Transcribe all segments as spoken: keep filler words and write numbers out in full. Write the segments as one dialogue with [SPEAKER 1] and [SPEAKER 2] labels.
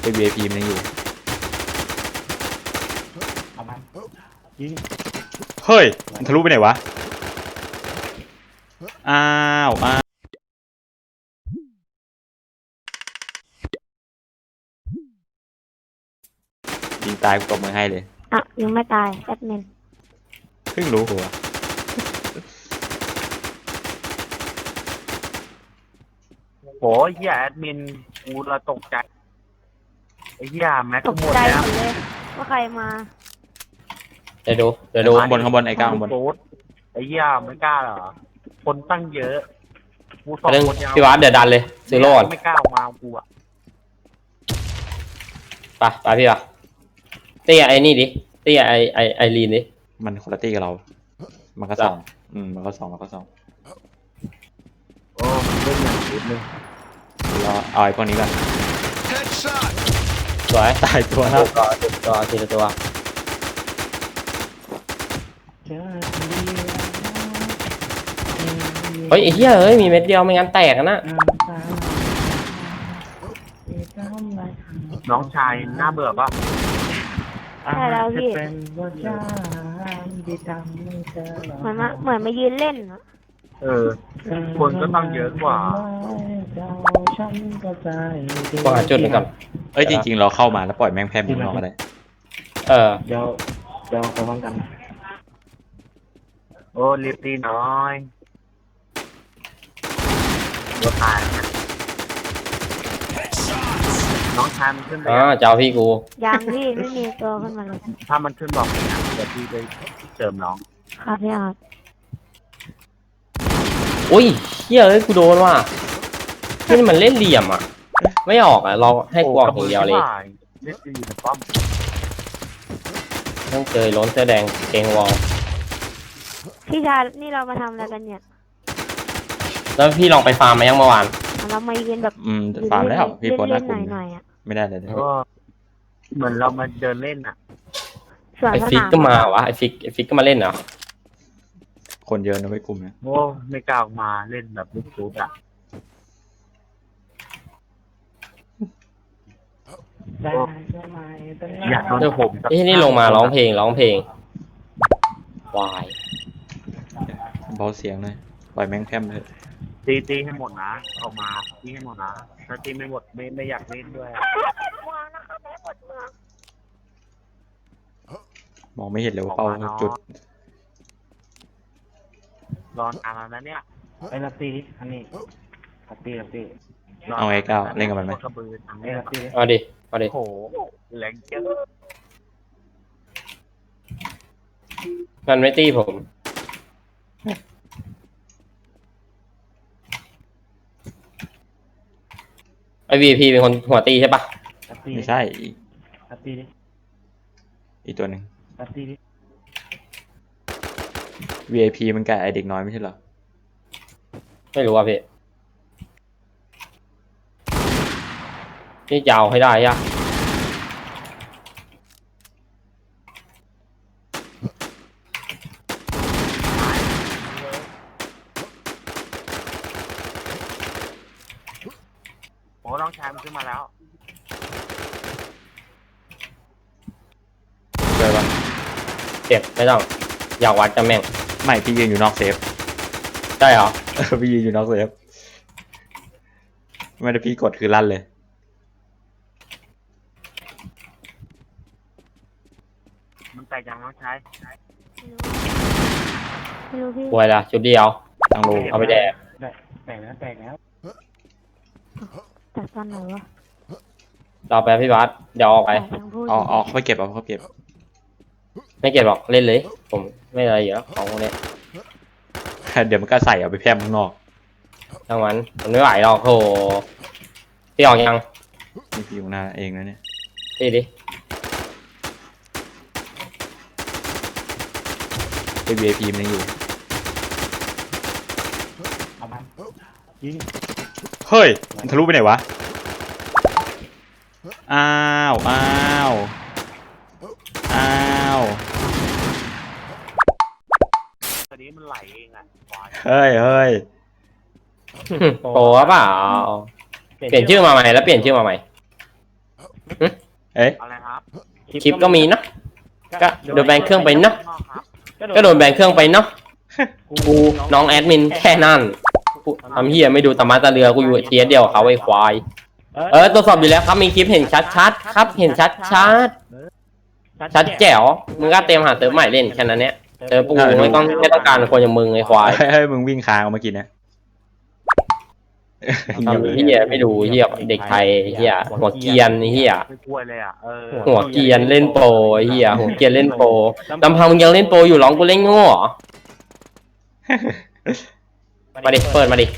[SPEAKER 1] ไอ วี ไอ พี มันยังอยู่
[SPEAKER 2] เอามันยิง
[SPEAKER 1] เฮ้ยมันทะลุไปไหนวะอ้าวอ้าวยิงตายกูตบมือให้เลย
[SPEAKER 3] อ่ะยังไม่ตายแอดมิน
[SPEAKER 1] เพิ่งรู้หัว
[SPEAKER 2] โหเหี้ยแอดมินกูละตกใจไอ้เหี้ยแม็ก
[SPEAKER 3] ตก
[SPEAKER 2] หมด
[SPEAKER 3] ใจ
[SPEAKER 2] แล้ว
[SPEAKER 3] หมดเลยว่าใครมา
[SPEAKER 4] เดี๋ยวดูเดี๋ยวดู
[SPEAKER 1] ข้างบนข้างบนไอ้ก้าวข้างบน
[SPEAKER 2] โคตรไอ้เหี้ยไม่กล้าเหรอคนตั้งเยอะกูสอง
[SPEAKER 4] เรื่อง
[SPEAKER 2] คนยาว
[SPEAKER 4] พี่วัดเดี๋ยวดันเลยซื้อโลด
[SPEAKER 2] ไม่กล้าออกมากูอ่ะ
[SPEAKER 4] ไปไปพี่วะเตี้ยไอ้นี่ดิเตี้ยไอไอไอรีนดิ
[SPEAKER 1] มันคนละตี้กับเรา มันก็สองอืมมันก็สองมันก็สอง
[SPEAKER 2] โอ้มันเล่นอย่างนิดนึง
[SPEAKER 1] รอเอาไอ้พวกนี้ก่อน
[SPEAKER 4] สวย
[SPEAKER 1] ตายตัว
[SPEAKER 4] ตั
[SPEAKER 1] แล้ว ว
[SPEAKER 4] ตัวตัวทีละตัวเฮ้ยไอ้เหี้ยเฮ้ยมีเม็ดเดียวไม่งั้นแตกนะ
[SPEAKER 2] น้องชายน่าเบื่อปะ
[SPEAKER 3] ใช่แล้วพี่เหมือนมาเหมือนมายืนเล่นอะ
[SPEAKER 2] เออคนก็ต้องเยอะกว่า
[SPEAKER 4] วางหาจุดหนึ่งก่อน
[SPEAKER 1] เอ้ยจริงๆเราเข้ามาแล้วปล่อยแม่งแพร่มุนออกมาได้
[SPEAKER 4] เออ
[SPEAKER 2] เดี๋ยวเดี๋ยวไปพร้อมกันโอ้รีบตีน้อยตัวตายนะน้องชายมันขึ้นไป
[SPEAKER 4] อ่าเจ้าพี่กู
[SPEAKER 3] ยังพี่ไม่มีตัวขึ้นมาเลย
[SPEAKER 2] ถ้ามันขึ้นบอกเลยนะเดี๋ยวพี่ไปเติมน้อง
[SPEAKER 3] ครับพี่อาร์ต
[SPEAKER 4] อุ้ยเหี้ยเอ้ยกูโดนว่ะนี่มันเล่นเหลี่ยมอ่ะไม่ออกอ่ะเราให้กวางอย่างเดียวเลย
[SPEAKER 2] เล่นดีนะป้อม
[SPEAKER 4] ต้องเจอล้นเสื้อแดงเกงวอล
[SPEAKER 3] พี่ชานี่เรามาทำอะไรกันเนี่ย
[SPEAKER 4] แล้วพี่ลองไปฟาร์มมายังเมื่อวาน
[SPEAKER 3] เรามายืนแบบ
[SPEAKER 1] อืมฟาร์มแล้วพี่โพสต์ห
[SPEAKER 3] เล่
[SPEAKER 1] น้าน ก
[SPEAKER 3] ๆห
[SPEAKER 1] ลุ่ม
[SPEAKER 3] น่อยๆอ่ะ
[SPEAKER 1] ไม่ได้เลยนะ
[SPEAKER 2] ก็เหมือนเรามาเดินเล่นอ่ะ
[SPEAKER 3] ส่วน
[SPEAKER 4] ไอ
[SPEAKER 3] ส
[SPEAKER 4] ฟิก
[SPEAKER 3] นาม
[SPEAKER 4] ก็มาวะไอฟิกไอฟิกก็มาเล่นเหรอ
[SPEAKER 1] คนเยอะนะไม่กลุ่มนะ
[SPEAKER 2] โอ้ไม่กล้าออกมาเล่นแบบลูกชุดอ่ะอยากโดน
[SPEAKER 4] เดี๋ยว
[SPEAKER 2] ผ
[SPEAKER 4] ผม
[SPEAKER 2] มสัก
[SPEAKER 4] เอ้ยนี่ลงมาร้องเพลงร้องเพลงวาย
[SPEAKER 1] เบาเสียงเลยปล่อยแม่งแพร่มเถอะ
[SPEAKER 2] ตีตีให้หมดนะออกมาตีให้หมดนะถ้าตีไม่หมดไม่ไม่อยากเล่นด้วยอะ
[SPEAKER 1] มองไม่เห็นเลยว่าเป้าจุด
[SPEAKER 2] รอนานแล้วนะเนี่ย
[SPEAKER 5] ไอ้ลัตตี้อันนี้ลัตตี้ลัตตี้
[SPEAKER 1] เอาไอ้ก้าวเล่นกับมันไหม
[SPEAKER 2] กระบือทำ
[SPEAKER 5] ไอ้
[SPEAKER 2] ให้
[SPEAKER 5] ลัตตี้
[SPEAKER 4] เอาดิเอาดิ
[SPEAKER 2] โอ้โหแรงเจ้อ
[SPEAKER 4] มันไม่ตีผมไอวีพีเป็นคนหัวตีใช่ปะ
[SPEAKER 5] ลัตตี้
[SPEAKER 1] ไม่ใช่อีก
[SPEAKER 5] ลัตตี้ดิ
[SPEAKER 1] อีกตัวหนึ่ง
[SPEAKER 5] ลัตตี้ดิ
[SPEAKER 1] วี ไอ พี มันแก่ไอเด็กน้อยไม่ใช่เหรอ
[SPEAKER 4] ไม่รู้อ่ะพี่นี่จะเอาให้ได้ยะ
[SPEAKER 2] โอ้น้องชายมันขึ้นมาแล้ว
[SPEAKER 1] เจอปะ
[SPEAKER 4] เจ็บไม่ต้องอยากวัดจะแม่ง
[SPEAKER 1] ไม่พี่ยืนอยู่นอกเซฟ
[SPEAKER 4] ได้เหรอ
[SPEAKER 1] เออพี่ยืนอยู่นอกเซฟไม่ได้พี่กดคือลั่นเลย
[SPEAKER 2] มันแตกยังน้องชาย
[SPEAKER 3] ไม่รู้พี่
[SPEAKER 4] ป่วยละชุดเดียว
[SPEAKER 1] ตั้งโล
[SPEAKER 4] เอาไปแดก
[SPEAKER 5] ได้แตกแล้วแตกแล้ว
[SPEAKER 3] แต่ตอนไหนวะ
[SPEAKER 4] เราไปพี่บัสเดี๋ยวออกไป
[SPEAKER 3] แต่ยังพูด
[SPEAKER 1] เอาเอาเขาไปเก็บเอาเขาไปเก็บ
[SPEAKER 4] ไม่เก็บหรอกเล่นเลย ผมไม่อะไรเยอะของพวกนี้
[SPEAKER 1] เดี๋ยวมันก็ใส่เอาไปแพร่มข้างนอก
[SPEAKER 4] ทั้งวันมันไม่ไหวหรอกโหพี่ออกยัง
[SPEAKER 1] นี่พี่อยู่หน้าเองนะเนี่ย
[SPEAKER 4] พี่ดิ
[SPEAKER 1] ไอ วี ไอ พี มันยังอยู่
[SPEAKER 5] เอามันยิง
[SPEAKER 1] เฮ้ยมันทะลุไปไหนวะอ้าวอ้าวอ้าว
[SPEAKER 2] ตอนนี้มันไหลเองอ่ะควาย
[SPEAKER 1] เฮ้ยเฮ้ย
[SPEAKER 4] โปรเปล่าเปลี่ยนชื่อมาใหม่แล้วเปลี่ยนชื่อมาใหม่หึ
[SPEAKER 1] เอ๊ะ
[SPEAKER 2] อะไรครับ
[SPEAKER 4] คลิปก็มีเนาะก็โดนแบนเครื่องไปเนาะ
[SPEAKER 2] นอกครับ
[SPEAKER 4] ก็โดนแบนเครื่องไปเนาะกูน้องแอดมินแค่นั้นกูทำเฮียไม่ดูตามาตาเรือกูอยู่เทียเดียวกับเขาไอ้ควายเออตรวจสอบอยู่แล้วครับมีคลิปเห็นชัดๆครับเห็นชัดชัดชัดแจ๋วมึงก็เตรียมหาเติมใหม่เล่นแค่นั้นเนี้ยเติมปูไม่ต้องไม่ต้องการคนอย่างมึงไอ้ควาย
[SPEAKER 1] เฮ้ยมึงวิ่งค้างออกมากินนะ
[SPEAKER 4] ทำเฮียไม่ดูเฮียเด็กไทยเฮียหัวเกรียนเฮีย
[SPEAKER 2] ไม่กลัวเลยอ่ะเออ
[SPEAKER 4] หัวเกรียนเล่นโปรเฮียหัวเกรียนเล่นโปรลำพังมึงยังเล่นโปรอยู่ร้องกูเล่นโง่เหรอมาดิเปิดมาดิ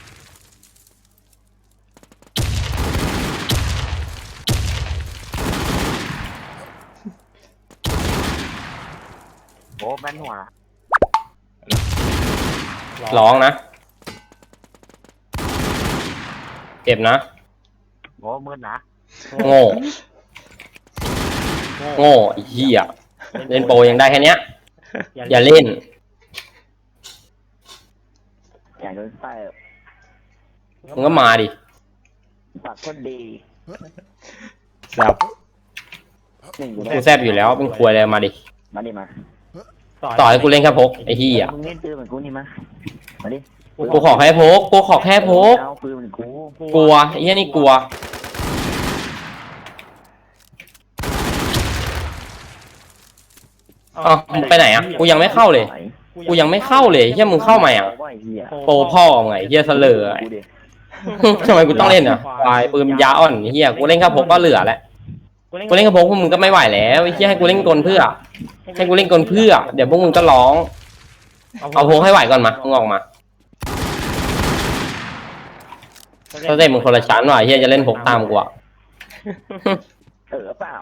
[SPEAKER 2] โอ้แม่นหัว
[SPEAKER 4] ร้องนะเจ็บนะ
[SPEAKER 2] โอ้มืดนะ
[SPEAKER 4] โง่โง่ไอ้เฮียเล่นโปรยังได้แค่เนี้ยอย่าเล่น
[SPEAKER 6] อยากโดนไส้
[SPEAKER 4] มึงก็มาดิ
[SPEAKER 6] ปากคนดี
[SPEAKER 1] แซ่บ
[SPEAKER 6] หนึ่งอยู่
[SPEAKER 4] กูแซบอยู่แล้วเป็นควยอะไรมาดิ
[SPEAKER 6] มาดิมา
[SPEAKER 4] ต่อให้กูเล่นแค่พกไอ้เฮีย
[SPEAKER 6] มึงเล่นปืนเหมือนกูนี่มามาดิ
[SPEAKER 4] กูขอแค่พกกูขอแค่พก
[SPEAKER 6] เอาปืนเหมือนกู
[SPEAKER 4] กลัวไอ้เฮียนี่กลัวอ๋อมึงไปไหนอ่ะกูยังไม่เข้าเลยกูยังไม่เข้าเลยเฮียมึงเข้ามาอ่ะ
[SPEAKER 6] ว่าไอ้เหี้ย
[SPEAKER 4] โปรพ่อไงเฮียเสลอ
[SPEAKER 6] กูดิ
[SPEAKER 4] ทำไมกูต้องเล่นอ่ะวายปืนยาอ่อนเฮียกูเล่นแค่พกก็เหลือแล้วกูเล่นแค่พกพวกมึงก็ไม่ไหวแล้วไอ้เฮียให้กูเล่นกลเพื่อให้กูเล่นกลเพื่อเดี๋ยวพวกมึงก็ร้องเอาพกให้ไหวก่อนมามึงออกมาถ้าเต้มึงคนละชั้นว่ะเฮียจะเล่นพกตามกูอ่ะ
[SPEAKER 6] เออเปล่า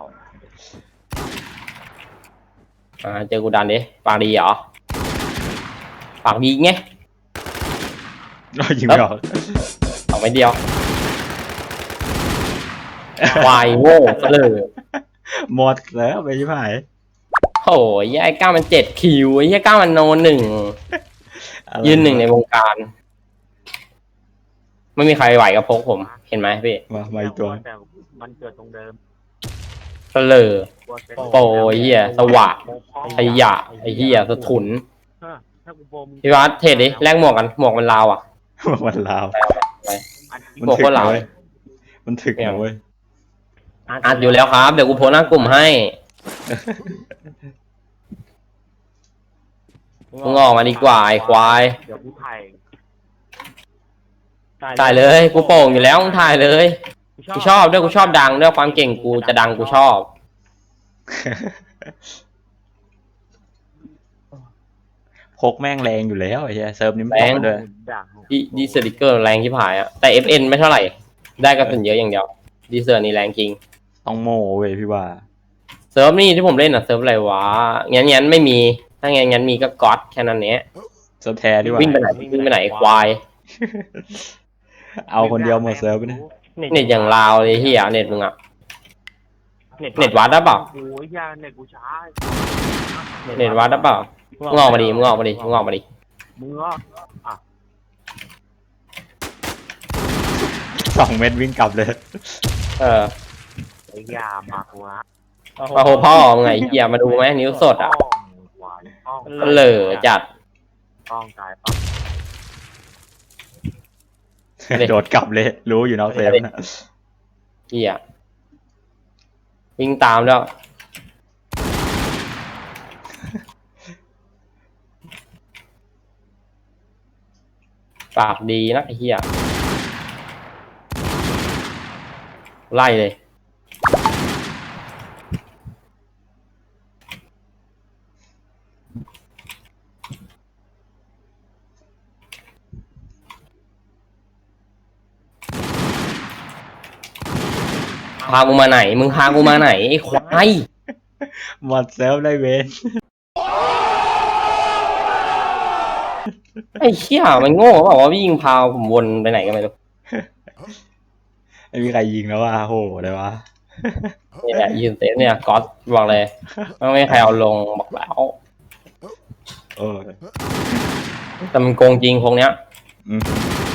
[SPEAKER 4] อ่าเจอกูดันดิปากดีเหรอปากดีไง
[SPEAKER 1] เรายิงไม่ออก
[SPEAKER 4] สองไปเดียววายโง่เสลอ
[SPEAKER 1] หมดแล้วไปชิบหาย
[SPEAKER 4] โอ้ยไอ้ก้ามันเจ็ดคิวไอ้เหี้ยก้ามันโนหนึ่ง
[SPEAKER 1] อะไร
[SPEAKER 4] ยืนหนึ่งในวงการ ไม่มีใครไหวกับพกผม เห็นไหมพี่
[SPEAKER 1] มามาอีกตัว
[SPEAKER 2] แต่มันเกิดตรงเดิม
[SPEAKER 4] เสลอก
[SPEAKER 2] ลัวเป็น
[SPEAKER 4] โปรไอ้เหี้ยสว่าง
[SPEAKER 2] โปรพ่อ
[SPEAKER 4] ขยะไอ้เหี้ยสะทุน
[SPEAKER 2] เออถ้ากูโปรมึง
[SPEAKER 4] พี่วัดเทรดดิแลกหมวกกันหมวกมันลาวอ่ะ
[SPEAKER 1] มันลาว
[SPEAKER 2] อันนี้
[SPEAKER 1] มัน
[SPEAKER 4] บอก
[SPEAKER 1] ถึก
[SPEAKER 4] ว่าลาว
[SPEAKER 1] นะเว้ยมันถึกนะเว้ย
[SPEAKER 4] อัดอยู่แล้วครับ เดี๋ยวกูโพสต์หน้ากลุ่มให้มึงออกมาดีกว่าไอ้ควาย
[SPEAKER 2] เดี๋ยวกูถ่าย
[SPEAKER 4] ถ่ายเลย กูโป่งอยู่แล้วมึงถ่ายเลย กูชอบด้วยกูชอบดังด้วยความเก่งกูจะดังกูชอบ
[SPEAKER 1] พกแม่งแรงอยู่แล้วไอ้เหี้ยเซิร์ฟนี้มัน
[SPEAKER 4] แรง
[SPEAKER 1] ต่อด้วย
[SPEAKER 2] ด่าง
[SPEAKER 4] ดีดีเซอร์ดิเกอร์แรงที่ผายอะแต่ เอฟ เอ็น ไม่เท่าไหร่ ได้กระสุนเยอะอย่างเดียวดีเซอร์นี่แรงจริง
[SPEAKER 1] ต้องโม่เว้ยพี่ว่า
[SPEAKER 4] เซิร์ฟนี่ที่ผมเล่นอะเซิร์ฟอะไรวะงั้นงั้นไม่มี ถ้างั้นงั้นมีก็ก๊อตแค่นั้นเนี้ย
[SPEAKER 1] เซิร์ฟแท้ดีกว่า
[SPEAKER 4] วิ่งไปไหนวิ่งไปไหนควาย
[SPEAKER 1] เอาคนเดียวหมดเซิร์ฟไปนะ
[SPEAKER 4] เน็ตอย่างลาวเลยเฮียเน็ตมึงอะเน็ตวัดได้เปล่า
[SPEAKER 2] โอ้ยยาเน็ตกูช้า
[SPEAKER 4] เน็ตวัดได้เปล่ามึงออกมาดิมึงออกมาดิมึงออกมาดิ
[SPEAKER 2] มึงอ่ะอ่ะ
[SPEAKER 1] สองเม็ดวิ่งกลับเลย
[SPEAKER 4] เออ
[SPEAKER 2] ไอ้ยามากวะ
[SPEAKER 4] มาโหพ่อมึงไงเฮียมาดูไหมนิ้วสดอะ
[SPEAKER 2] ป้องหวานป้อง
[SPEAKER 4] เหลอจัด
[SPEAKER 2] ป้องตายป้อง
[SPEAKER 4] เด็ก
[SPEAKER 1] โดดกลับเลย รู้อยู่นอกเซฟนะ
[SPEAKER 4] เฮียวิ่งตามแล้วปากดีนะไอ้เฮียไล่เลยพากูมาไหน มึงพากูมาไหนไอ้ควาย
[SPEAKER 1] หมดเซฟได้เวน
[SPEAKER 4] ไอ้เชี่ยมันโง่เปล่าวะวิ่งพาผมวนไปไหนกันไม่รู้
[SPEAKER 1] ไม่มีใครยิงแล้วว่าโหเลยวะ
[SPEAKER 4] นี่แหละยืนเซฟเนี่ยก๊อตบอกเลยไม่มีใครเอาลงบอกแล้ว
[SPEAKER 1] เออ
[SPEAKER 4] แต่มันโกงจริงพวกเนี้ย
[SPEAKER 1] อืม